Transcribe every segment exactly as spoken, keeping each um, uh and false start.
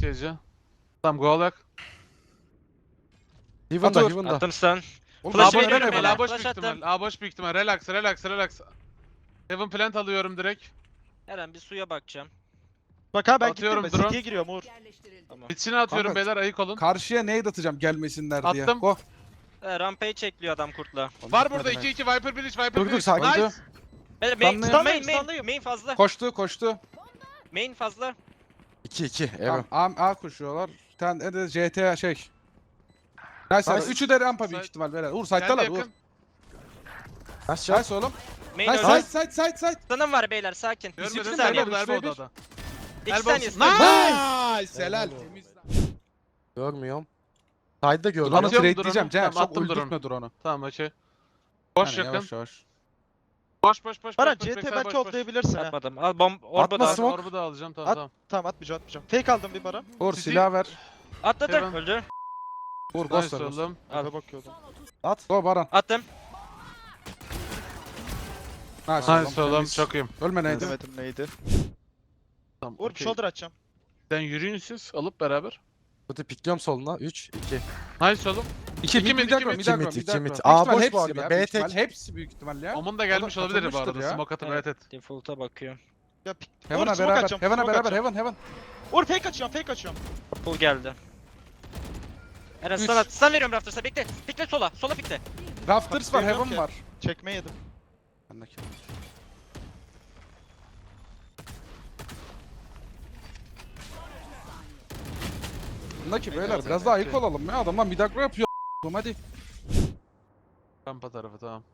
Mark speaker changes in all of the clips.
Speaker 1: Gece. Tamam go alak.
Speaker 2: Heaven'da,
Speaker 3: Atur.
Speaker 2: Heaven'da.
Speaker 4: Attım stun.
Speaker 2: Oğlum,
Speaker 4: Flash
Speaker 1: A boş
Speaker 4: veriyorum
Speaker 1: büyük ihtimal,
Speaker 4: beyler,
Speaker 1: A boş
Speaker 4: flash
Speaker 1: büyük ihtimal.
Speaker 4: attım.
Speaker 1: A boş büyük ihtimal. Relax, relax, relax. Heaven plant alıyorum direkt.
Speaker 4: Eren bir suya bakacağım.
Speaker 3: Bak ha ben
Speaker 1: Atıyorum
Speaker 3: gittim.
Speaker 1: drone.
Speaker 3: City'ye giriyorum Uğur.
Speaker 4: Tamam.
Speaker 1: İçine atıyorum
Speaker 2: Kanka,
Speaker 1: beyler, ayık olun.
Speaker 2: Karşıya nade atacağım gelmesinler diye.
Speaker 1: Attım.
Speaker 2: Go.
Speaker 4: E, rampage çekliyor adam kurtla.
Speaker 1: Var burada iki iki Viper Village, Viper
Speaker 2: Dur dur
Speaker 1: Village.
Speaker 2: sakin.
Speaker 1: Nice.
Speaker 2: Öldü.
Speaker 4: Beyler main,
Speaker 2: Stunlayın.
Speaker 4: main, main,
Speaker 3: Stunlayın.
Speaker 4: main fazla.
Speaker 2: Koştu koştu.
Speaker 4: Main fazla.
Speaker 2: iki iki.
Speaker 3: Tamam.
Speaker 2: Tamam. A, A koşuyorlar. Bir tane de C T şey. Nice.
Speaker 3: Nice.
Speaker 2: Üçü de rampa büyük
Speaker 1: Side.
Speaker 2: ihtimal beyler. Uğur
Speaker 1: Geldi
Speaker 2: site'dalar Uğur.
Speaker 1: yakın.
Speaker 2: Nice oğlum.
Speaker 4: Main
Speaker 2: Nice
Speaker 4: öldü.
Speaker 2: side side side side.
Speaker 4: Stun'ım var beyler sakin.
Speaker 1: Görmedin
Speaker 4: İki
Speaker 1: mi?
Speaker 4: saniye.
Speaker 1: Elbow'da,
Speaker 2: üç ve
Speaker 1: elbow'da
Speaker 2: bir.
Speaker 1: da.
Speaker 4: İki
Speaker 1: Elbow-
Speaker 4: saniye. stun.
Speaker 2: Nice. Helal. Temiz.
Speaker 5: Görmüyorum. Side'da gördüm.
Speaker 2: Drone'u
Speaker 1: Atıyorum
Speaker 2: trade'leyeceğim.
Speaker 1: drone'u.
Speaker 2: Cem
Speaker 1: Tamam,
Speaker 2: çok
Speaker 1: attım
Speaker 2: öldürtme drone'u.
Speaker 1: Tamam okey. Boş
Speaker 2: Aynen,
Speaker 1: yakın.
Speaker 2: Yavaş yavaş.
Speaker 1: Boş boş boş.
Speaker 3: Baran
Speaker 1: boş, boş,
Speaker 3: C T
Speaker 1: backside,
Speaker 3: belki
Speaker 1: boş, boş.
Speaker 3: hoplayabilirsin ha.
Speaker 4: Atmadım. Al bomb orba
Speaker 5: Atma
Speaker 4: da.
Speaker 5: smoke.
Speaker 1: Orbu da alacağım tamam
Speaker 3: At.
Speaker 1: tamam.
Speaker 3: Tamam atmayacağım atmayacağım. Fake aldım bir Baran.
Speaker 2: Uğur
Speaker 1: Sizi-
Speaker 2: silah ver.
Speaker 4: Atladı.
Speaker 1: Heaven.
Speaker 4: Öldü.
Speaker 2: Uğur ghost
Speaker 1: Nice
Speaker 2: ver.
Speaker 1: oğlum.
Speaker 4: Al.
Speaker 3: Eve bakıyordum.
Speaker 5: At.
Speaker 2: Go Baran.
Speaker 4: Attım.
Speaker 2: Nice,
Speaker 1: Nice oğlum,
Speaker 2: temiz.
Speaker 1: çok iyiyim.
Speaker 2: Ölme neydi?
Speaker 3: Demedim neydi.
Speaker 1: Tamam.
Speaker 3: Uğur bir
Speaker 1: okey.
Speaker 3: shoulder açacağım.
Speaker 1: Sen yürüyün siz alıp beraber.
Speaker 5: Kutu pikliyorum soluna. üç iki.
Speaker 1: Nice oğlum.
Speaker 2: İki
Speaker 1: İki
Speaker 2: mid,
Speaker 1: mid,
Speaker 2: mid,
Speaker 1: iki
Speaker 2: mid,
Speaker 1: mid.
Speaker 2: mid,
Speaker 5: İki
Speaker 2: agro,
Speaker 5: mid,
Speaker 2: mid,
Speaker 5: iki
Speaker 2: agro.
Speaker 5: mid.
Speaker 2: Büyük
Speaker 5: A
Speaker 2: ihtimal
Speaker 5: boş
Speaker 2: hepsi
Speaker 5: bu arada,
Speaker 2: ya,
Speaker 5: B
Speaker 2: büyük
Speaker 5: tek.
Speaker 2: ihtimal Hepsi büyük ihtimal ya.
Speaker 1: Omun da gelmiş
Speaker 2: O da
Speaker 1: olabilir bu arada.
Speaker 2: katılmıştır ya.
Speaker 1: Smoke atıp
Speaker 4: Evet.
Speaker 1: evet et.
Speaker 4: Default'a bakıyorum.
Speaker 3: Ya pik. Uğur
Speaker 2: Heaven'a
Speaker 3: smoke
Speaker 2: beraber.
Speaker 3: açacağım.
Speaker 2: Heaven'a
Speaker 3: smoke
Speaker 2: beraber.
Speaker 3: açacağım.
Speaker 2: Heaven Heaven.
Speaker 3: Uğur fake açıyorum fake açıyorum.
Speaker 4: Pull geldi. Eren
Speaker 2: Üç.
Speaker 4: stun at. Stun veriyorum Rafters'a bekle. Pikle sola. Sola pikle.
Speaker 2: Rafters var.
Speaker 3: Bilmiyorum
Speaker 2: Heaven
Speaker 3: ki.
Speaker 2: var.
Speaker 3: Çekme yedim.
Speaker 2: Bendeki. Bundaki beyler biraz daha ayık olalım ya. Adamlar mid agro yapıyor. Hadi.
Speaker 1: Rampa tarafı tamam.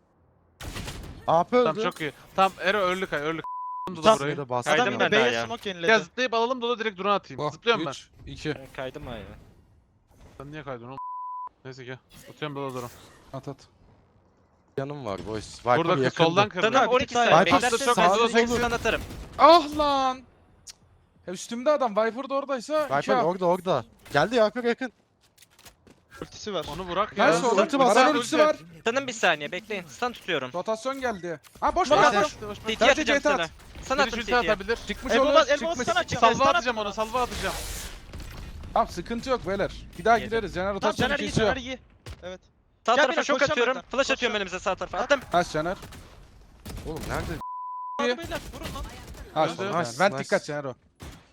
Speaker 5: A P öldü.
Speaker 1: Tamam çok iyi. Tamam Ero öldü kay öldü. Dolu
Speaker 3: Tamam.
Speaker 1: burayı.
Speaker 5: Burayı da bastım.
Speaker 4: Kaydım
Speaker 3: Adam
Speaker 4: ben
Speaker 3: da
Speaker 4: daha
Speaker 3: B'ye
Speaker 4: ya.
Speaker 3: smoke
Speaker 1: Gel
Speaker 3: yeniledi.
Speaker 1: zıplayıp alalım dolu direkt drone atayım.
Speaker 2: Go.
Speaker 1: Zıplıyorum ben.
Speaker 2: üç, iki.
Speaker 4: Ben kaydım ha ya.
Speaker 1: Sen niye kaydın oğlum? Neyse ki. Atıyorum dolu drone.
Speaker 2: At at.
Speaker 5: Yanım var boys. Viper
Speaker 1: Burada kız
Speaker 5: yakındı.
Speaker 1: soldan kırdı.
Speaker 4: Stun
Speaker 3: bir
Speaker 4: on iki
Speaker 3: tık daha
Speaker 4: saniye.
Speaker 5: yap.
Speaker 4: Beklersin
Speaker 1: Çok
Speaker 4: ben
Speaker 1: hızlı
Speaker 4: sana
Speaker 1: olur.
Speaker 4: stun atarım.
Speaker 2: Ah lan. Cık. Ya üstümde adam. Viper da oradaysa. iki
Speaker 5: Viper
Speaker 2: A.
Speaker 5: orada orada. Geldi Viper yakın.
Speaker 3: Ultisi var.
Speaker 1: Onu bırak
Speaker 2: Nice
Speaker 1: ya.
Speaker 2: oğlum.
Speaker 5: Ulti bas,
Speaker 2: Baran
Speaker 5: ulti.
Speaker 2: ultisi var.
Speaker 4: Stun'ım bir saniye bekleyin. Stun tutuyorum.
Speaker 2: Rotasyon geldi. Ha boş
Speaker 4: Bak,
Speaker 2: ver.
Speaker 4: bak,
Speaker 2: boş.
Speaker 4: bak.
Speaker 2: boş.
Speaker 4: C T
Speaker 2: Sadece
Speaker 4: atacağım
Speaker 2: C T at.
Speaker 4: sana. Sana
Speaker 1: Bir
Speaker 4: attım
Speaker 1: ulti
Speaker 4: C T'ye.
Speaker 1: atabilir.
Speaker 2: Çıkmış
Speaker 3: Elbow
Speaker 2: olur.
Speaker 3: bas, elbow
Speaker 2: Çıkmış.
Speaker 3: stun atacağım.
Speaker 1: Salva
Speaker 3: Stun
Speaker 1: atacağım
Speaker 3: atacağım.
Speaker 1: onu, salva atacağım.
Speaker 2: Tamam sıkıntı yok beyler. Bir daha
Speaker 4: Yedim.
Speaker 2: gideriz. Caner
Speaker 3: Tamam
Speaker 2: rotasyonu
Speaker 3: Caner iyi
Speaker 2: kesiyor.
Speaker 3: Caner iyi. Evet.
Speaker 4: Sağ
Speaker 3: Gel
Speaker 4: tarafa
Speaker 3: beyler,
Speaker 4: şok
Speaker 3: koşacağım
Speaker 4: atıyorum.
Speaker 3: ben.
Speaker 4: Flash
Speaker 3: Koşacağım.
Speaker 4: atıyorum önümüze sağ tarafa. Attım.
Speaker 2: Nice Caner.
Speaker 5: Oğlum nerede?
Speaker 3: Hadi beyler vurun lan.
Speaker 2: Ha
Speaker 1: Öldü.
Speaker 2: Caner.
Speaker 5: Nice,
Speaker 2: Ben
Speaker 5: nice.
Speaker 2: dikkat Caner o.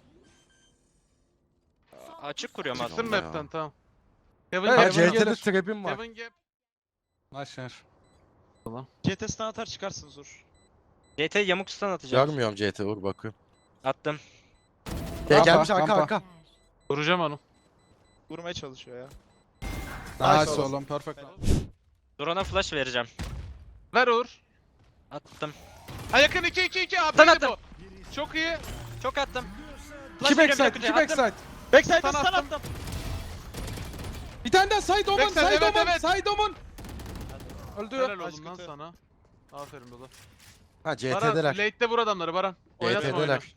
Speaker 4: Açık kuruyorum
Speaker 1: Çıksın
Speaker 4: aslında.
Speaker 5: ya.
Speaker 1: map'ten tamam. Heaven
Speaker 2: Evet,
Speaker 5: Ha
Speaker 1: gap.
Speaker 2: Heaven
Speaker 5: C T'de
Speaker 2: gelir.
Speaker 5: trap'im var.
Speaker 1: Heaven gap.
Speaker 2: Nice Caner.
Speaker 3: C T stun atar çıkarsınız Uğur.
Speaker 4: C T yamuk stun atacağım.
Speaker 5: Görmüyorum C T vur bakıyorum.
Speaker 4: Attım.
Speaker 5: E,
Speaker 2: Rampa,
Speaker 5: gelmiş arka
Speaker 2: rampa.
Speaker 5: arka.
Speaker 1: Vuracağım onu.
Speaker 3: Vurmaya çalışıyor ya.
Speaker 2: Nice
Speaker 3: Nice
Speaker 2: oğlum. Perfect.
Speaker 4: Drone'a flash vereceğim.
Speaker 1: Ver Uğur.
Speaker 4: Attım.
Speaker 1: Ha yakın iki iki iki abi
Speaker 4: Sen
Speaker 1: bu.
Speaker 4: attın.
Speaker 1: Çok iyi.
Speaker 4: Çok attım.
Speaker 2: İki
Speaker 4: Flash veriyorum
Speaker 2: backside.
Speaker 4: yakınca,
Speaker 2: iki
Speaker 4: attım.
Speaker 2: backside.
Speaker 3: Backside'e
Speaker 1: Stun
Speaker 3: stun
Speaker 1: attım.
Speaker 3: attım.
Speaker 2: Bir tane daha side omun.
Speaker 1: Backside,
Speaker 2: Side
Speaker 1: evet,
Speaker 2: omun.
Speaker 1: evet.
Speaker 2: Side omun. Öldü.
Speaker 1: Helal
Speaker 3: Nice
Speaker 1: oğlum lan
Speaker 3: kötü.
Speaker 1: sana. Aferin Dolu.
Speaker 5: Ha C
Speaker 1: Baran
Speaker 5: T'deler.
Speaker 1: late'de vur adamları Baran. Oynatma oyunu.
Speaker 5: C T'deler.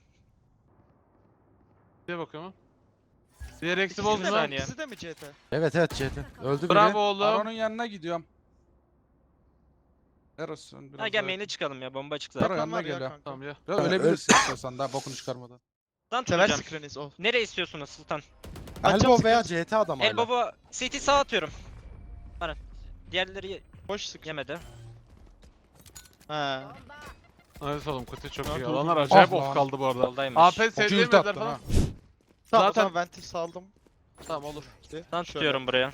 Speaker 1: Diye bakıyorum ha. Diğer eksi
Speaker 3: İkisi de mi?
Speaker 1: bozma.
Speaker 4: saniye.
Speaker 3: İkisi de mi C T?
Speaker 5: Evet evet C T. Öldü biri.
Speaker 1: Bravo oğlum.
Speaker 2: Baron'un yanına gidiyorum. Eros'un biraz
Speaker 4: Ha gel
Speaker 2: daha-
Speaker 4: main'e çıkalım ya bomba çıktı
Speaker 2: Baron
Speaker 4: zaten.
Speaker 2: yanına
Speaker 3: var ya
Speaker 2: geliyor.
Speaker 3: kanka.
Speaker 1: Tamam ya.
Speaker 2: Biraz
Speaker 5: Evet,
Speaker 2: ölebilirsin istiyorsan daha bokunu çıkarmadan.
Speaker 4: Stun
Speaker 3: Sever
Speaker 4: tutacağım.
Speaker 3: screeniz o.
Speaker 4: Nereye istiyorsunuz Sultan?
Speaker 5: Elbow veya C T adam hala.
Speaker 4: Elbow'a C T sağ atıyorum. Baran. Diğerleri
Speaker 3: Boş sık.
Speaker 4: yemedi.
Speaker 3: Ha.
Speaker 1: Evet oğlum kutu çok
Speaker 3: Ya,
Speaker 1: iyi.
Speaker 3: dur,
Speaker 1: Alanlar
Speaker 3: dur.
Speaker 1: acayip
Speaker 2: Ah
Speaker 1: off
Speaker 2: lan.
Speaker 1: kaldı bu arada.
Speaker 4: Soldaymış.
Speaker 1: A P
Speaker 2: Çok iyi ulti
Speaker 1: sevdiğim
Speaker 2: attın
Speaker 1: falan.
Speaker 2: ha.
Speaker 3: Tamam
Speaker 1: Zaten-
Speaker 3: o zaman ventil saldım.
Speaker 1: Tamam olur.
Speaker 3: İşte.
Speaker 4: Stun tutuyorum buraya.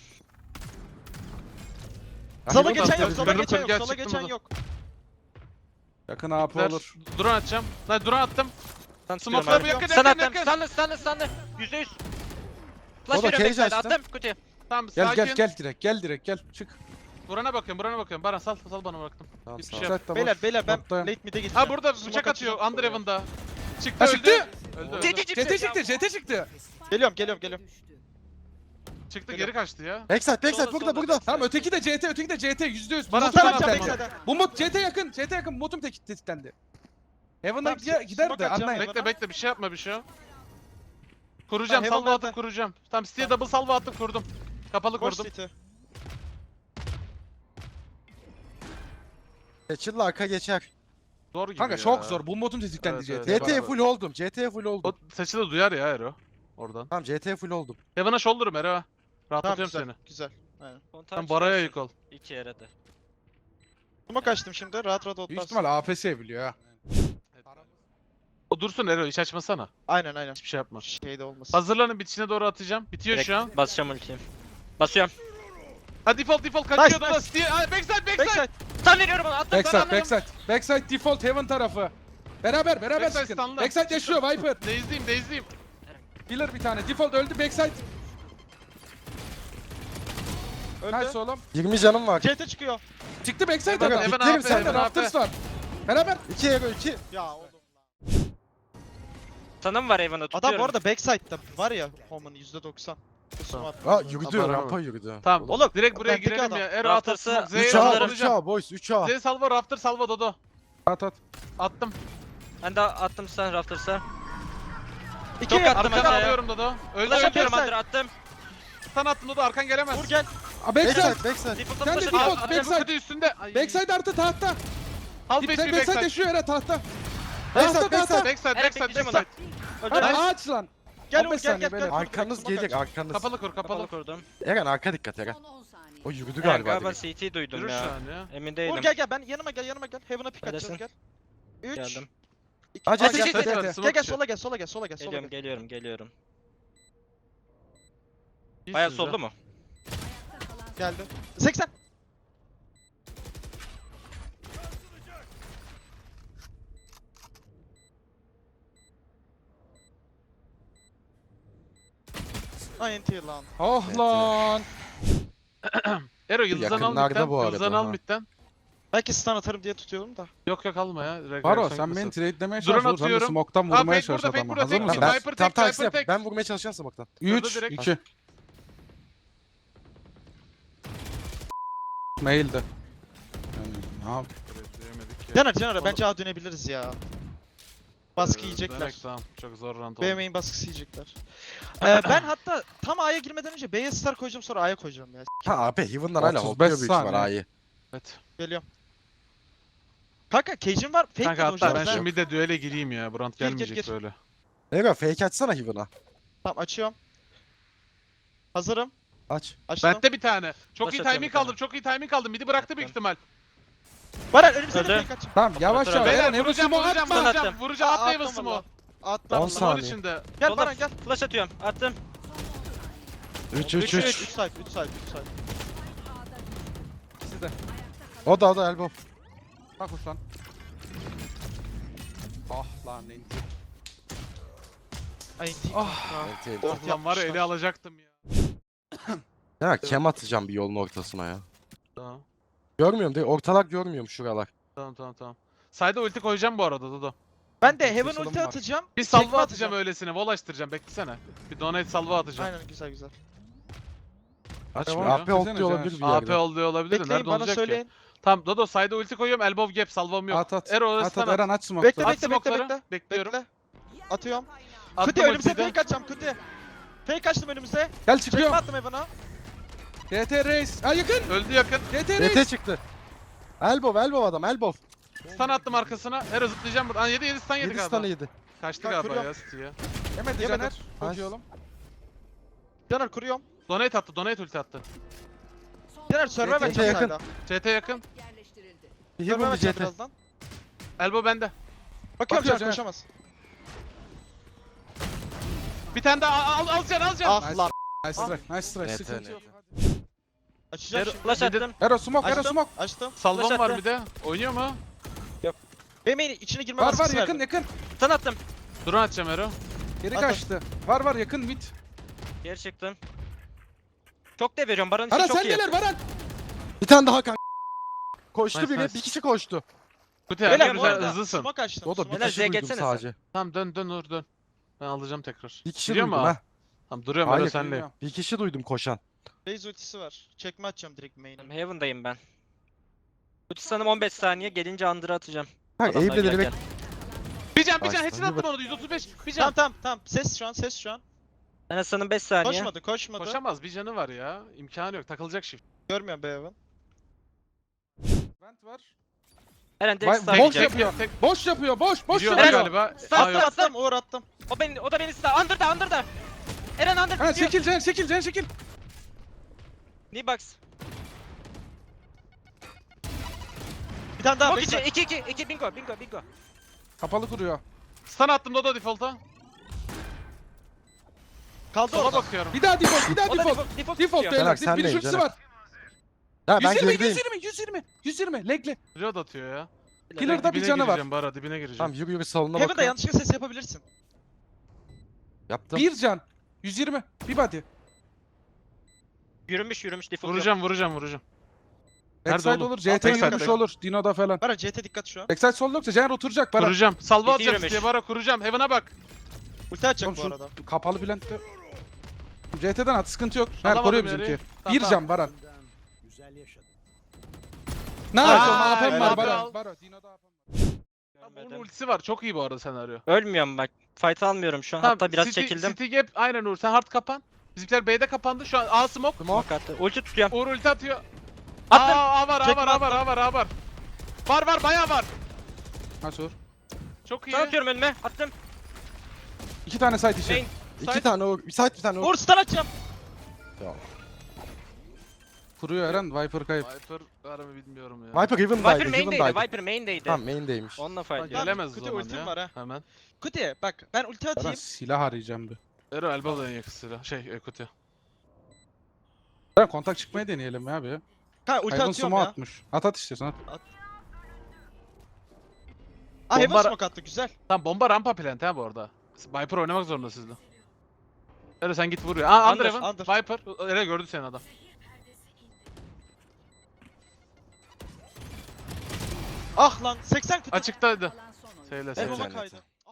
Speaker 3: Sola
Speaker 5: Heaven
Speaker 3: geçen yok,
Speaker 5: atladı.
Speaker 3: sola
Speaker 1: Kırdım,
Speaker 3: geçen yok,
Speaker 1: gel,
Speaker 3: sola
Speaker 1: çıktım
Speaker 3: geçen
Speaker 1: buradan.
Speaker 3: yok.
Speaker 2: Yakın A P
Speaker 1: Ver.
Speaker 2: olur.
Speaker 1: Drone atacağım. Lan drone attım.
Speaker 4: Stun tutuyorum
Speaker 1: Smoke'ları
Speaker 4: abi.
Speaker 1: yakın
Speaker 4: Stun
Speaker 1: yakın
Speaker 4: attım.
Speaker 1: yakın.
Speaker 4: Stunlı stunlı stunlı. yüzde yüz. Flash
Speaker 5: O da
Speaker 4: veriyorum
Speaker 5: cage
Speaker 4: backside.
Speaker 5: açtım.
Speaker 4: Attım kutuya.
Speaker 1: Tamam
Speaker 2: Gel
Speaker 1: sakin.
Speaker 2: gel gel direkt. Gel direkt gel. Çık.
Speaker 1: Burana bakıyorum burana bakıyorum. Baran sal sal bana bıraktım.
Speaker 5: Tamam,
Speaker 1: Hiçbir
Speaker 5: sağ ol.
Speaker 1: şey yap.
Speaker 2: Side de
Speaker 3: Beyler
Speaker 2: boş.
Speaker 3: beyler ben
Speaker 2: Bottayım.
Speaker 3: late mid'e gideceğim.
Speaker 1: Ha burada
Speaker 3: Smoke
Speaker 1: bıçak atıyor.
Speaker 3: atacağım.
Speaker 1: Underhaven'da. Çıktı
Speaker 2: Ha
Speaker 1: öldü.
Speaker 2: çıktı.
Speaker 1: Öldü öldü.
Speaker 4: C T
Speaker 2: C T çıktı. C T çıktı.
Speaker 3: Geliyorum geliyorum geliyorum.
Speaker 1: Çıktı geri kaçtı ya.
Speaker 5: Backside backside
Speaker 4: Solda,
Speaker 5: burada
Speaker 4: solda,
Speaker 5: burada.
Speaker 4: backside.
Speaker 2: Tamam öteki de C T. Öteki de C T. yüzde yüz.
Speaker 1: Baran,
Speaker 2: Umut
Speaker 1: stun
Speaker 2: var
Speaker 1: atacağım
Speaker 2: bir tane.
Speaker 3: backside'e.
Speaker 2: Umut C T yakın. C T yakın. Umut'um tek tetiklendi. Heaven'a
Speaker 3: Tamam,
Speaker 2: gider, gider
Speaker 3: smoke
Speaker 2: de
Speaker 3: atacağım
Speaker 2: anlayın.
Speaker 3: Heaven'a.
Speaker 1: Bekle bekle bir şey yapma bir şey yap. Kuracağım
Speaker 3: Tamam,
Speaker 1: salva
Speaker 3: Heaven'da
Speaker 1: atıp
Speaker 3: ben-
Speaker 1: kuracağım. Tamam City'ye double salva attım kurdum. Kapalı
Speaker 3: Boş
Speaker 1: kurdum.
Speaker 3: city.
Speaker 5: Seçil'le arka geçer.
Speaker 1: Zor gibi
Speaker 2: Kanka
Speaker 1: ya.
Speaker 2: çok zor. Bu modun tetiklendi
Speaker 1: Evet,
Speaker 2: C
Speaker 1: evet.
Speaker 2: T.
Speaker 5: C T'ye full oldum. C T'ye full
Speaker 1: O
Speaker 5: oldum.
Speaker 1: saçı da duyar ya Ero. oradan.
Speaker 5: Tamam C T full oldum.
Speaker 1: Heaven'a shoulder'ım Ero.
Speaker 3: Tamam
Speaker 1: Rahatlatıyorum
Speaker 3: güzel.
Speaker 1: seni.
Speaker 3: Güzel. Aynen.
Speaker 4: Kontağı
Speaker 1: Sen Bara'ya
Speaker 4: çıkarsın.
Speaker 1: yük ol.
Speaker 4: İki yere de.
Speaker 3: Smoke açtım şimdi. Rahat rahat
Speaker 2: Büyük
Speaker 3: otlarsın.
Speaker 2: ihtimal A P S biliyor ha.
Speaker 1: O dursun Ero, iş açmasana.
Speaker 3: Aynen aynen.
Speaker 1: Hiçbir şey yapma.
Speaker 3: Şeyde olmasın.
Speaker 1: Hazırlanın, bitişine doğru atacağım. Bitiyor
Speaker 4: Direkt
Speaker 1: şu an.
Speaker 4: basacağım ultiyi. Basıyorum.
Speaker 1: Ha default default kaçıyor
Speaker 3: Nice,
Speaker 1: da
Speaker 3: nice.
Speaker 1: Steve. Ha, backside backside.
Speaker 3: Backside.
Speaker 4: Stun veriyorum ona. Attım
Speaker 2: Backside,
Speaker 4: sana.
Speaker 2: backside. Backside default heaven tarafı. Beraber, beraber
Speaker 1: Backside
Speaker 2: sıkın.
Speaker 1: stunlı.
Speaker 2: Backside yaşıyor Viper.
Speaker 1: Dazed'iyim dazed'iyim.
Speaker 2: Healer bir tane. Default öldü backside.
Speaker 3: Öldü.
Speaker 2: Nice oğlum.
Speaker 5: yirmi canım var.
Speaker 3: C T çıkıyor.
Speaker 2: Çıktı backside
Speaker 1: Heaven,
Speaker 2: adam.
Speaker 1: Heaven
Speaker 2: Bitlerim
Speaker 1: A P,
Speaker 2: sen de
Speaker 1: Heaven A P.
Speaker 2: Raptors var. Beraber.
Speaker 5: iki ego iki.
Speaker 3: Ya oğlum.
Speaker 4: Sanım var Evan'a tutuyorum.
Speaker 3: Adam bu arada backside'da var ya Home'un yüzde doksan.
Speaker 1: Tamam.
Speaker 5: Aa yürüdü
Speaker 1: Tamam.
Speaker 5: rampa yürüdü.
Speaker 1: Tamam.
Speaker 3: Oğlum,
Speaker 1: Direkt buraya
Speaker 3: bendeki
Speaker 1: girelim
Speaker 3: adam.
Speaker 1: ya. Ero
Speaker 4: Rafters'ı
Speaker 1: atırsın.
Speaker 4: üç
Speaker 5: üç
Speaker 1: Z'ye
Speaker 5: A
Speaker 4: alırım.
Speaker 5: üç A boys üç A.
Speaker 1: Z salva Rafter salva Dodo.
Speaker 2: At at.
Speaker 1: Attım.
Speaker 4: Ben de attım sen Rafters'a.
Speaker 3: İki
Speaker 4: Çok attım
Speaker 1: Arkanı
Speaker 4: aşağıya.
Speaker 1: alıyorum Dodo. Öldü
Speaker 4: Flash
Speaker 1: öldü.
Speaker 4: atıyorum
Speaker 3: backside.
Speaker 4: Under attım.
Speaker 1: Sen attın Dodo, arkan gelemez.
Speaker 3: Vur gel.
Speaker 2: Aa, backside.
Speaker 5: Backside backside.
Speaker 4: Default'a
Speaker 2: Sen de
Speaker 4: flash
Speaker 2: default,
Speaker 4: atıyorum.
Speaker 2: backside.
Speaker 1: Hadi üstünde. Ay.
Speaker 2: Backside artı tahta.
Speaker 1: Half
Speaker 2: Dip-
Speaker 1: H P
Speaker 2: Backside
Speaker 1: backside.
Speaker 2: yaşıyor Era tahta.
Speaker 5: Backside,
Speaker 2: Tahta
Speaker 5: backside.
Speaker 2: tahta.
Speaker 1: Backside
Speaker 4: Evet,
Speaker 1: backside
Speaker 4: bekleyeceğim
Speaker 1: backside.
Speaker 4: Öldü.
Speaker 2: Hadi
Speaker 3: Nice.
Speaker 2: ağaç lan.
Speaker 3: Gel
Speaker 2: on
Speaker 3: Uğur
Speaker 2: beş
Speaker 3: gel
Speaker 2: saniye
Speaker 3: gel
Speaker 2: beyler.
Speaker 3: gel.
Speaker 5: Arkanız
Speaker 3: Smoke
Speaker 5: gelecek
Speaker 3: aç.
Speaker 5: arkanız.
Speaker 1: Kapalı kur kapalı.
Speaker 4: Kapalı kurdum.
Speaker 5: Eren arka dikkat Eren.
Speaker 6: Son on saniye.
Speaker 5: O yürüdü
Speaker 4: Eren
Speaker 5: galiba
Speaker 4: galiba
Speaker 5: direkt.
Speaker 4: C T duydum
Speaker 1: Yürü şu
Speaker 4: ya.
Speaker 1: an ya.
Speaker 4: Emin
Speaker 3: Uğur
Speaker 4: değilim.
Speaker 3: gel gel ben yanıma gel yanıma gel. Heaven'a pick
Speaker 4: Neredesin?
Speaker 3: atacağız gel. üç.
Speaker 4: Geldim.
Speaker 3: iki.
Speaker 5: Hadi,
Speaker 3: Aa,
Speaker 5: hadi,
Speaker 3: gel,
Speaker 1: hadi,
Speaker 3: gel,
Speaker 1: hadi.
Speaker 3: gel,
Speaker 1: Smoke
Speaker 3: gel
Speaker 1: içi.
Speaker 3: sola gel sola gel sola gel sola
Speaker 4: Geliyorum
Speaker 3: gel.
Speaker 4: geliyorum geliyorum.
Speaker 1: İyisiniz
Speaker 4: Baya
Speaker 1: ya.
Speaker 4: soldu mu?
Speaker 3: Geldi. seksen. Aynen tier lan.
Speaker 2: Oh lan.
Speaker 1: Ero yıldızdan al
Speaker 5: Yakınlarda
Speaker 1: midden.
Speaker 5: bu arada,
Speaker 1: Yıldızdan al
Speaker 5: ha.
Speaker 1: midden.
Speaker 3: Belki stun atarım diye tutuyorum da.
Speaker 1: Yok yok alma ya. Direkt
Speaker 2: Baro
Speaker 1: reaksiyon
Speaker 2: sen beni
Speaker 1: gitmesin.
Speaker 2: trade'lemeye
Speaker 1: Drone
Speaker 2: çalış. Sen de
Speaker 1: atıyorum.
Speaker 2: smoke'tan
Speaker 1: Aa,
Speaker 2: vurmaya
Speaker 1: fake
Speaker 2: çalış
Speaker 1: burada, fake
Speaker 2: adamı.
Speaker 1: burada,
Speaker 2: Hazır
Speaker 1: fake
Speaker 2: mısın?
Speaker 1: burada.
Speaker 5: Ben,
Speaker 1: Viper
Speaker 5: tam
Speaker 1: tek,
Speaker 5: taksi
Speaker 1: Viper
Speaker 5: yap.
Speaker 1: tek.
Speaker 5: Ben vurmaya çalışacağım smoke'tan.
Speaker 2: üç,
Speaker 1: direkt.
Speaker 2: iki. Mail'de. Yani, ne yap?
Speaker 1: Diyemedik ya.
Speaker 3: Caner Caner
Speaker 1: Oğlum.
Speaker 3: bence A dönebiliriz ya. Baskı
Speaker 1: Ee,
Speaker 3: yiyecekler.
Speaker 1: demek Tamam çok zor round oldu.
Speaker 3: B main baskısı yiyecekler. ee, ben hatta tam A'ya girmeden önce B'ye star koyacağım sonra A'ya koyacağım ya.
Speaker 5: Ha abi Heaven'dan hala
Speaker 2: otuz
Speaker 5: hopluyor
Speaker 2: beş
Speaker 5: büyük ihtimal
Speaker 2: saniye.
Speaker 5: A'yı.
Speaker 1: Evet.
Speaker 3: Geliyorum. Kanka cage'im var. Fake
Speaker 1: Kanka
Speaker 3: mi
Speaker 1: hatta ben
Speaker 3: hocam?
Speaker 1: şu midde düele gireyim ya. Bu round
Speaker 3: Gir, gir,
Speaker 1: gelmeyecek
Speaker 3: gir.
Speaker 1: böyle.
Speaker 5: Ego fake açsana Heaven'a.
Speaker 3: Tamam açıyorum. Hazırım.
Speaker 5: Aç.
Speaker 3: Açtım.
Speaker 1: Bende bir tane. Çok
Speaker 4: Flash
Speaker 1: iyi
Speaker 4: atıyorum
Speaker 1: timing
Speaker 4: bir tane.
Speaker 1: aldım. Çok iyi timing aldım. Midi bıraktı büyük ihtimal.
Speaker 3: Baran önümüze de
Speaker 4: Öldü.
Speaker 3: fake açayım.
Speaker 2: Tamam yavaş
Speaker 4: Otur
Speaker 2: yavaş.
Speaker 4: abi.
Speaker 1: Beyler
Speaker 2: Eren Heaven
Speaker 1: vuracağım
Speaker 2: smoke
Speaker 1: vuracağım
Speaker 2: atma.
Speaker 1: vuracağım.
Speaker 4: Attım.
Speaker 1: Vuracağım atla
Speaker 3: Aa,
Speaker 1: Evil
Speaker 3: attım
Speaker 1: smoke.
Speaker 3: valla. Atla.
Speaker 5: on
Speaker 3: valla.
Speaker 1: Smoke'un
Speaker 5: saniye.
Speaker 1: içinde.
Speaker 3: Gel
Speaker 4: Solda.
Speaker 3: Baran gel.
Speaker 4: Flash atıyorum. Attım.
Speaker 5: üç
Speaker 3: üç
Speaker 5: üç
Speaker 3: üç
Speaker 5: üç.
Speaker 3: side üç side üç side.
Speaker 2: İkisi de.
Speaker 5: O da o da elbow.
Speaker 2: Bak Uslan. Ah lan enti.
Speaker 3: Ay enti.
Speaker 2: Ah.
Speaker 5: Evet,
Speaker 3: Dört
Speaker 1: Ulan var ya
Speaker 3: yapmışlar.
Speaker 1: ele alacaktım ya.
Speaker 5: Ya kem atacağım bir yolun ortasına ya.
Speaker 1: Tamam.
Speaker 5: Görmüyorum değil ortalar görmüyorum şuralar.
Speaker 1: Tamam tamam tamam. Side'a ulti koyacağım bu arada Dodo.
Speaker 3: Ben de Heaven
Speaker 2: Sorun
Speaker 3: ulti
Speaker 2: var.
Speaker 3: atacağım.
Speaker 1: Bir
Speaker 3: tekme
Speaker 1: salva atacağım öylesine. Wall açtıracağım. Beklesene. Bir donate salva atacağım.
Speaker 3: Aynen güzel güzel.
Speaker 5: Açmıyor.
Speaker 1: Devam
Speaker 5: A P ult
Speaker 2: Desene
Speaker 5: diyor olabilir bir
Speaker 1: A P
Speaker 5: yerde.
Speaker 1: olduğu olabilir de
Speaker 3: Bekleyin
Speaker 1: nerede
Speaker 3: bana
Speaker 1: olacak ki?
Speaker 3: söyleyin.
Speaker 1: Tamam Dodo side'a ulti koyuyorum. Elbow gap salvam yok.
Speaker 2: At at.
Speaker 1: Ero
Speaker 2: At
Speaker 1: orası
Speaker 2: at Eren aç smoke.
Speaker 3: Bekle
Speaker 1: At
Speaker 3: bekle bekle
Speaker 1: smoke'ları.
Speaker 3: bekle.
Speaker 1: Bekliyorum.
Speaker 3: Bekle. Atıyorum.
Speaker 1: Attım
Speaker 3: Kuti önümüze
Speaker 1: ultiyi de.
Speaker 3: fake açacağım Kuti. Fake açtım önümüze.
Speaker 2: Gel
Speaker 3: Çekme
Speaker 2: çıkıyor.
Speaker 3: attım Heaven'a.
Speaker 2: G T Reis. Ha yakın.
Speaker 1: Öldü yakın.
Speaker 2: G T
Speaker 5: D
Speaker 2: Reis.
Speaker 5: T çıktı. Elbow elbow adam elbow.
Speaker 1: Stun attım arkasına. Ero zıplayacağım buradan. yedi yedi stun yedi
Speaker 5: yedi
Speaker 1: galiba.
Speaker 5: stun'ı yedi.
Speaker 1: Kaçtı
Speaker 3: Bak,
Speaker 1: galiba
Speaker 3: kuruyorum.
Speaker 1: ya City'ye.
Speaker 2: Yemedi
Speaker 3: Yemedim.
Speaker 2: Caner. Çok
Speaker 5: Nice.
Speaker 2: iyi oğlum.
Speaker 3: Caner kuruyorum.
Speaker 1: Donate attı. Donate ulti attı.
Speaker 3: Caner server
Speaker 2: Yakın,
Speaker 3: açacağım
Speaker 5: yakın.
Speaker 3: hala.
Speaker 1: C T yakın.
Speaker 6: Yerleştirildi.
Speaker 5: Bir
Speaker 3: Server
Speaker 5: Heaven bir
Speaker 3: açacağım
Speaker 5: C T.
Speaker 3: birazdan.
Speaker 1: Elbow bende.
Speaker 3: Bakıyorum
Speaker 2: Bakıyor
Speaker 3: Caner
Speaker 2: Caner.
Speaker 3: koşamaz.
Speaker 1: Bir tane daha al al al can al can.
Speaker 3: Ah lan.
Speaker 2: Nice strike. Nice strike.
Speaker 5: Net,
Speaker 2: Sıkıntı
Speaker 5: net.
Speaker 2: yok.
Speaker 3: Açacağım
Speaker 1: Ero-
Speaker 3: şimdi.
Speaker 4: Flash
Speaker 1: Bir de-
Speaker 4: attım.
Speaker 2: Ero smoke. Ero
Speaker 3: Açtım.
Speaker 2: smoke.
Speaker 3: Açtım.
Speaker 1: Salvam
Speaker 4: Flash
Speaker 1: var
Speaker 4: attı.
Speaker 1: bir de. Oynuyor mu?
Speaker 3: Benim içine girme
Speaker 2: Var var
Speaker 3: baskısı
Speaker 2: yakın
Speaker 3: verdim.
Speaker 2: yakın.
Speaker 4: Stun attım.
Speaker 1: Drone atacağım Ero.
Speaker 2: Geri
Speaker 3: At,
Speaker 2: kaçtı. Var var yakın mid.
Speaker 4: Geri çıktım. Çok da veriyorum. Baran için
Speaker 2: Baran
Speaker 4: çok
Speaker 2: sen
Speaker 4: iyi.
Speaker 2: neler Baran?
Speaker 5: Bir tane daha kanka. Koştu
Speaker 1: Nice,
Speaker 5: biri
Speaker 1: nice.
Speaker 5: bir kişi koştu.
Speaker 1: Kuti
Speaker 3: Beyler
Speaker 1: Ero
Speaker 3: bu
Speaker 1: güzel
Speaker 3: arada
Speaker 1: hızlısın.
Speaker 3: smoke açtım.
Speaker 5: O da bir
Speaker 3: smoke
Speaker 4: Beyler,
Speaker 5: kişi
Speaker 4: Z'ye
Speaker 5: duydum
Speaker 4: geçsene
Speaker 5: sadece.
Speaker 1: Tamam dön dön Uğur dön. Ben alacağım tekrar.
Speaker 5: Bir kişi
Speaker 1: Biliyor
Speaker 5: duydum
Speaker 1: mu?
Speaker 5: ha.
Speaker 1: Tamam duruyorum
Speaker 5: Hayır,
Speaker 1: Ero senle.
Speaker 2: Bilmiyorum.
Speaker 5: Bir kişi duydum koşan.
Speaker 3: Raze ultisi var. Çekme atacağım direkt main'e.
Speaker 4: Heaven'dayım ben. Ulti sanım on beş saniye. Gelince Under'ı atacağım.
Speaker 5: Kanka
Speaker 4: Adamlar
Speaker 5: Eyb'de
Speaker 4: girerken.
Speaker 5: direkt
Speaker 1: Bir can bir can
Speaker 5: Baştan
Speaker 1: hepsini
Speaker 5: bir
Speaker 1: attım
Speaker 5: bak-
Speaker 1: onu yüz otuz beş. Bir
Speaker 3: Tamam
Speaker 1: can.
Speaker 3: tamam tamam. Ses şu an ses şu an.
Speaker 4: Ben Hasan'ın beş saniye.
Speaker 3: Koşmadı koşmadı.
Speaker 1: Koşamaz bir canı var ya. İmkanı yok takılacak shift.
Speaker 3: Görmüyorum be Heaven.
Speaker 2: Vent var.
Speaker 4: Eren direkt
Speaker 2: Vay-
Speaker 4: stun
Speaker 2: boş
Speaker 4: yiyecek.
Speaker 2: yapıyor.
Speaker 1: Tek
Speaker 2: Boş yapıyor. Boş boş
Speaker 1: biliyorlar
Speaker 2: yapıyor.
Speaker 1: galiba.
Speaker 4: Stun
Speaker 1: Aa,
Speaker 3: Attım
Speaker 1: yok.
Speaker 4: attım.
Speaker 3: attım Uğur attım.
Speaker 4: O beni, o da beni stun. Under'da, Under'da. Eren under
Speaker 2: Ha
Speaker 4: bitiyor.
Speaker 2: çekil Can çekil Can çekil.
Speaker 4: Knee box.
Speaker 3: Bir tane daha
Speaker 4: Smoke
Speaker 3: backside.
Speaker 4: içi. iki iki iki bingo bingo bingo.
Speaker 2: Kapalı kuruyor.
Speaker 1: Stun attım Dodo default'a.
Speaker 3: Kaldı
Speaker 1: Sola
Speaker 3: orada.
Speaker 1: bakıyorum.
Speaker 2: Bir daha default bir daha
Speaker 4: O da
Speaker 2: default.
Speaker 4: default default
Speaker 2: Default
Speaker 4: tutuyor.
Speaker 2: beyler.
Speaker 5: Caner,
Speaker 2: Bir
Speaker 5: sendeyim,
Speaker 2: şutsu
Speaker 5: Caner.
Speaker 2: var.
Speaker 5: Ya ben
Speaker 2: yüz yirmi
Speaker 5: gerideyim.
Speaker 2: yüz yirmi yüz yirmi yüz yirmi legli.
Speaker 1: Reload atıyor ya.
Speaker 2: Killer'da bir
Speaker 1: Dibine
Speaker 2: canı var.
Speaker 1: gireceğim Bara dibine gireceğim.
Speaker 5: Tamam yürü yürü salona
Speaker 3: Heaven'da
Speaker 5: bakıyorum.
Speaker 3: yanlışlıkla ses yapabilirsin.
Speaker 5: Yaptım.
Speaker 2: Bir can. yüz yirmi. Bir body.
Speaker 4: Yürümüş yürümüş default.
Speaker 1: Vuracağım vuracağım vuracağım. Nerede
Speaker 2: Backside
Speaker 1: oğlum?
Speaker 2: olur. C T
Speaker 1: Backside,
Speaker 2: yürümüş
Speaker 1: backside.
Speaker 2: olur. Dino'da falan.
Speaker 3: Bara C T dikkat şu an.
Speaker 2: Backside sol yoksa Caner oturacak para.
Speaker 1: Kuracağım. Salva
Speaker 4: Bitti
Speaker 1: atacağım
Speaker 4: yürümüş.
Speaker 1: diye Bara kuracağım. Heaven'a bak.
Speaker 3: Ulti atacak
Speaker 2: Oğlum
Speaker 3: bu
Speaker 2: şu
Speaker 3: arada.
Speaker 2: kapalı Bülent'te. C T'den at sıkıntı yok. Her
Speaker 1: Alamadım
Speaker 2: koruyor
Speaker 1: yeri.
Speaker 2: bizimki.
Speaker 1: Tamam,
Speaker 2: Bir
Speaker 1: tamam.
Speaker 2: can Baran. Ne
Speaker 1: Aa,
Speaker 2: yapıyorsun? A P M var
Speaker 1: helal.
Speaker 2: Baran. Baran. Dino'da A P M var.
Speaker 1: Tamam, onun ultisi var. Çok iyi bu arada senaryo.
Speaker 4: Ölmüyorum bak. Fight almıyorum şu an.
Speaker 1: Tamam,
Speaker 4: Hatta biraz
Speaker 1: City,
Speaker 4: çekildim.
Speaker 1: City gap aynen Uğur. Sen hard kapan. Bizimkiler B'de kapandı. Şu an A smoke.
Speaker 4: Smoke attı. Ulti tutuyorum.
Speaker 1: Uğur ulti atıyor.
Speaker 4: Attım.
Speaker 1: Aa, A var, A
Speaker 3: Çekme
Speaker 1: var, A var, A var, A var. Var var, bayağı var.
Speaker 2: Nasıl olur?
Speaker 1: Çok iyi.
Speaker 4: Sana atıyorum önüme. Attım.
Speaker 2: İki tane site işi.
Speaker 4: Main.
Speaker 5: İki tane o. Bir site bir tane o.
Speaker 3: Uğur stun atacağım.
Speaker 2: Kuruyor Eren. Viper kayıp.
Speaker 1: Viper var mı bilmiyorum ya.
Speaker 5: Viper
Speaker 4: Viper
Speaker 5: Heaven'daydı.
Speaker 4: main'deydi.
Speaker 5: Heaven'daydı.
Speaker 4: Viper main'deydi.
Speaker 5: Tamam main'deymiş.
Speaker 4: Onunla
Speaker 1: Bak,
Speaker 4: fight diyor.
Speaker 1: gelemez o
Speaker 3: Kötü
Speaker 1: zaman
Speaker 3: ultim
Speaker 1: ya.
Speaker 3: var ha.
Speaker 1: Hemen.
Speaker 3: Kuti bak ben ulti
Speaker 2: Baran
Speaker 3: atayım.
Speaker 2: silah arayacağım bir.
Speaker 1: Ero elbow'dan yakısıyla. Şey, Ekuti.
Speaker 2: Baran kontak çıkmayı deneyelim ya bir.
Speaker 3: Ha ulti
Speaker 2: Hayvan
Speaker 3: atıyorum
Speaker 2: sumo
Speaker 3: ya.
Speaker 2: atmış. At at istiyorsan at.
Speaker 3: Ah Heaven
Speaker 1: Bomba-
Speaker 3: smoke attı güzel.
Speaker 1: Tamam bomba rampa plant ha bu arada. Viper oynamak zorunda sizde. Ero sen git vuruyor. Aa Under,
Speaker 3: Under,
Speaker 1: Heaven.
Speaker 3: under.
Speaker 1: Viper. Ero gördü seni adam.
Speaker 3: Ah lan seksen kutu.
Speaker 1: Açıktaydı. Seyle
Speaker 3: Heaven'a
Speaker 1: seyle.
Speaker 5: Cennet.
Speaker 3: kaydı. Ah.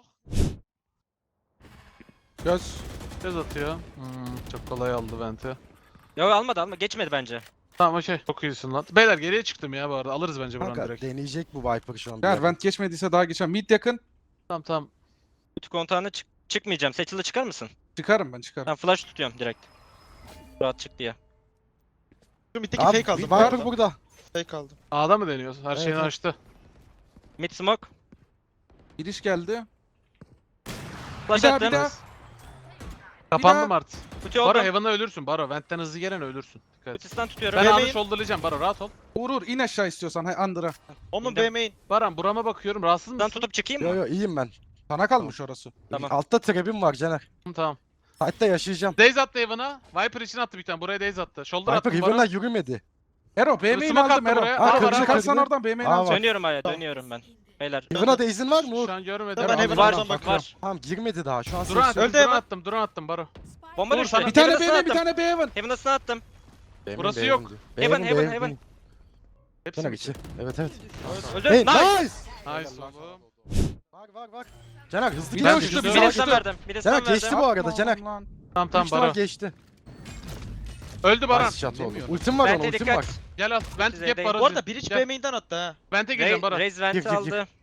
Speaker 2: Göz.
Speaker 1: Göz atıyor. Hmm, çok kolay aldı venti.
Speaker 4: Yok almadı alma. Geçmedi bence.
Speaker 1: Tamam okey. Çok iyisin lan. Beyler geriye çıktım ya bu arada. Alırız bence buranı
Speaker 5: Kanka
Speaker 1: direkt.
Speaker 5: deneyecek bu Viper şu an. bir
Speaker 2: Eğer
Speaker 5: yer.
Speaker 2: vent geçmediyse daha geçen. Mid yakın.
Speaker 1: Tamam tamam.
Speaker 4: Kutu kontağına çık çıkmayacağım. Seçil'e çıkar mısın?
Speaker 2: Çıkarım ben çıkarım.
Speaker 4: Ben flash tutuyorum direkt. Rahat çık diye.
Speaker 3: Şu middeki
Speaker 5: Abi
Speaker 3: fake aldım. bu
Speaker 5: Viper
Speaker 3: arada.
Speaker 5: burada.
Speaker 3: Fake aldım.
Speaker 1: A'da mı deniyorsun? Her
Speaker 5: Evet,
Speaker 1: şeyini
Speaker 5: evet.
Speaker 1: açtı.
Speaker 4: Mid smoke.
Speaker 2: Giriş geldi.
Speaker 4: Flash
Speaker 2: Bir daha, bir
Speaker 4: attım.
Speaker 2: daha.
Speaker 1: Kapandım
Speaker 2: daha.
Speaker 1: artık.
Speaker 4: Kutu
Speaker 1: Baro
Speaker 4: oldum.
Speaker 1: Heaven'da ölürsün Baro. Vent'ten hızlı gelen ölürsün. Dikkat et.
Speaker 4: Kutusundan tutuyorum.
Speaker 1: Ben
Speaker 3: Yemeğin-
Speaker 1: A'da shoulder'layacağım Baro rahat ol.
Speaker 2: Uğur Uğur in aşağı istiyorsan. Hay Under'a.
Speaker 3: Omun
Speaker 4: İndim.
Speaker 3: B main.
Speaker 1: Baran burama bakıyorum. Rahatsız
Speaker 4: Ben
Speaker 1: mısın?
Speaker 4: tutup çıkayım
Speaker 5: Yo
Speaker 4: mı?
Speaker 5: yo iyiyim ben.
Speaker 2: Sana kalmış orası.
Speaker 4: Tamam.
Speaker 5: Altta trap'im var Caner.
Speaker 1: Tamam.
Speaker 5: Hatta yaşayacağım.
Speaker 1: Daze attı Heaven'a. Viper için attı bir tane. Buraya Daze attı. Shoulder
Speaker 5: Viper
Speaker 1: attım Baro.
Speaker 5: Heaven'dan yürümedi.
Speaker 2: Ero B
Speaker 1: Dur,
Speaker 2: main
Speaker 1: smoke
Speaker 2: aldım
Speaker 1: attı
Speaker 2: Ero.
Speaker 1: buraya.
Speaker 2: Ha
Speaker 1: Aa, var,
Speaker 2: kırmızı
Speaker 1: var,
Speaker 2: kalsan
Speaker 5: var.
Speaker 2: oradan B main
Speaker 5: Aa,
Speaker 2: alacağım.
Speaker 5: var.
Speaker 4: Dönüyorum aya
Speaker 3: Tamam.
Speaker 4: dönüyorum ben. Beyler.
Speaker 5: Heaven'a da izin var mı Uğur?
Speaker 1: Şu an görmedim.
Speaker 3: Ben
Speaker 2: Ero,
Speaker 3: Heaven'a
Speaker 2: var.
Speaker 3: oradan bakıyorum.
Speaker 4: Var.
Speaker 5: Tamam girmedi daha. Şu an
Speaker 1: Drone
Speaker 5: ses
Speaker 1: attım.
Speaker 3: Öldü
Speaker 1: Drone
Speaker 3: Heaven.
Speaker 1: attım. Drone attım Baro.
Speaker 4: Bomba
Speaker 1: Uğur,
Speaker 4: düştü.
Speaker 1: sana-
Speaker 2: Bir tane
Speaker 4: Heaven'ı
Speaker 2: B main bir
Speaker 4: attım.
Speaker 2: tane B Heaven.
Speaker 4: Heaven'ı attım.
Speaker 5: Benim,
Speaker 1: Burası
Speaker 5: benim,
Speaker 1: yok.
Speaker 5: benim.
Speaker 4: Heaven,
Speaker 5: Benim,
Speaker 4: heaven,
Speaker 5: benim,
Speaker 4: heaven.
Speaker 5: benim.
Speaker 1: Hepsi
Speaker 5: Caner
Speaker 1: mi?
Speaker 5: içi. Evet evet.
Speaker 4: Öldü.
Speaker 5: Hey
Speaker 4: Nice.
Speaker 5: nice.
Speaker 1: Nice oğlum.
Speaker 5: Var var var. Caner hızlı
Speaker 2: Bir
Speaker 5: gidiyor.
Speaker 2: de uçtu,
Speaker 5: Hızlı
Speaker 2: bir
Speaker 4: Bir
Speaker 2: de
Speaker 5: gidiyor.
Speaker 2: uçtu.
Speaker 4: de verdim. Bir de
Speaker 5: Caner
Speaker 4: verdim.
Speaker 5: geçti bu arada Caner.
Speaker 2: Lan.
Speaker 1: Tamam tamam
Speaker 5: Tamam
Speaker 1: Baro.
Speaker 5: geçti.
Speaker 1: Öldü Baran.
Speaker 5: Nice shot oldu.
Speaker 2: Bilmiyorum.
Speaker 5: Ultim var onun
Speaker 4: Bente
Speaker 5: ultim var.
Speaker 4: dikkat.
Speaker 1: Gel al. Vent
Speaker 4: Size
Speaker 1: gap
Speaker 4: değil.
Speaker 1: Baro.
Speaker 3: Bu arada bir iç
Speaker 1: Gel.
Speaker 3: B main'den attı ha.
Speaker 1: Vent'e gireceğim Baro.
Speaker 4: Raze
Speaker 5: Gir,
Speaker 4: venti
Speaker 5: gir, gir.
Speaker 4: aldı.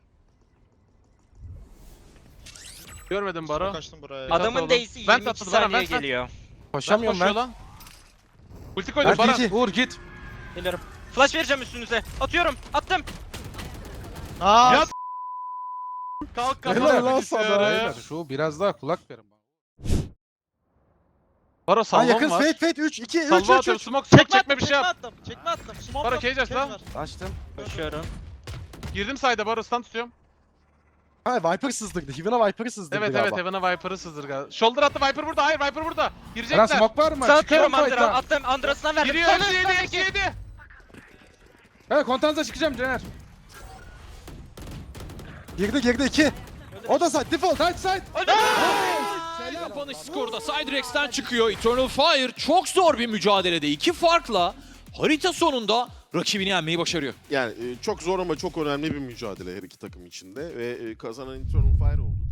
Speaker 1: Görmedim
Speaker 3: Baro.
Speaker 1: Baro.
Speaker 3: Kaçtım buraya.
Speaker 1: Adam-
Speaker 4: Adamın
Speaker 1: oğlum.
Speaker 4: dace'i
Speaker 1: Vent
Speaker 4: yirmi iki
Speaker 1: attı, Baran,
Speaker 4: saniye
Speaker 1: vent, vent.
Speaker 4: geliyor.
Speaker 5: Koşamıyorum
Speaker 1: Koşuyor
Speaker 5: ben.
Speaker 1: lan. Ulti koydum
Speaker 5: Ben
Speaker 1: Baran.
Speaker 5: T T.
Speaker 2: Uğur git.
Speaker 4: Geliyorum. Flash vereceğim üstünüze. Atıyorum. Attım.
Speaker 3: Aa.
Speaker 1: Ya kalk
Speaker 5: Helal
Speaker 1: kafana
Speaker 5: lan
Speaker 1: bilgisayarı.
Speaker 5: sana.
Speaker 2: Beyler şu biraz daha kulak verin bana.
Speaker 1: Baro
Speaker 5: Ha
Speaker 1: salvam
Speaker 5: yakın
Speaker 1: var.
Speaker 5: fate fate üç iki üç
Speaker 1: Salva
Speaker 5: üç
Speaker 1: atıyorum.
Speaker 5: üç.
Speaker 1: Smoke smoke
Speaker 3: Çekme
Speaker 1: çekme
Speaker 3: attım,
Speaker 1: bir şey
Speaker 3: çekme
Speaker 1: yap.
Speaker 3: attım. Çekme attım. Smoke
Speaker 1: Baro,
Speaker 3: attım,
Speaker 1: cage aç
Speaker 3: cage
Speaker 1: lan.
Speaker 3: var.
Speaker 5: Açtım.
Speaker 4: Koşuyorum.
Speaker 1: Girdim side'a Baro stun tutuyorum.
Speaker 5: Ha Viper sızdırdı. Heaven'a Viper'ı sızdırdı
Speaker 1: Evet
Speaker 5: galiba.
Speaker 1: evet Heaven'a Viper'ı sızdır galiba. Shoulder attı Viper burada. Hayır Viper burada.
Speaker 2: Eren
Speaker 1: Girecekler.
Speaker 2: smoke var mı?
Speaker 4: Sağ
Speaker 2: Çıkıyorum
Speaker 4: atıyorum Andra.
Speaker 2: fight'a.
Speaker 4: Attım. Andra'sından verdim.
Speaker 1: Giriyor.
Speaker 4: Sana,
Speaker 1: Hepsi yedi.
Speaker 4: sana
Speaker 1: Hepsi
Speaker 4: iki.
Speaker 1: yedi.
Speaker 2: Evet kontanza çıkacağım Caner.
Speaker 5: Girdi girdi iki. O da side default.
Speaker 2: Side side.
Speaker 6: Kapanış skorda Cydrex'ten çıkıyor. Eternal Fire çok zor bir mücadelede. İki farkla harita sonunda rakibini yenmeyi başarıyor.
Speaker 7: Yani e, çok zor ama çok önemli bir mücadele her iki takım içinde ve e, kazanan Eternal Fire oldu.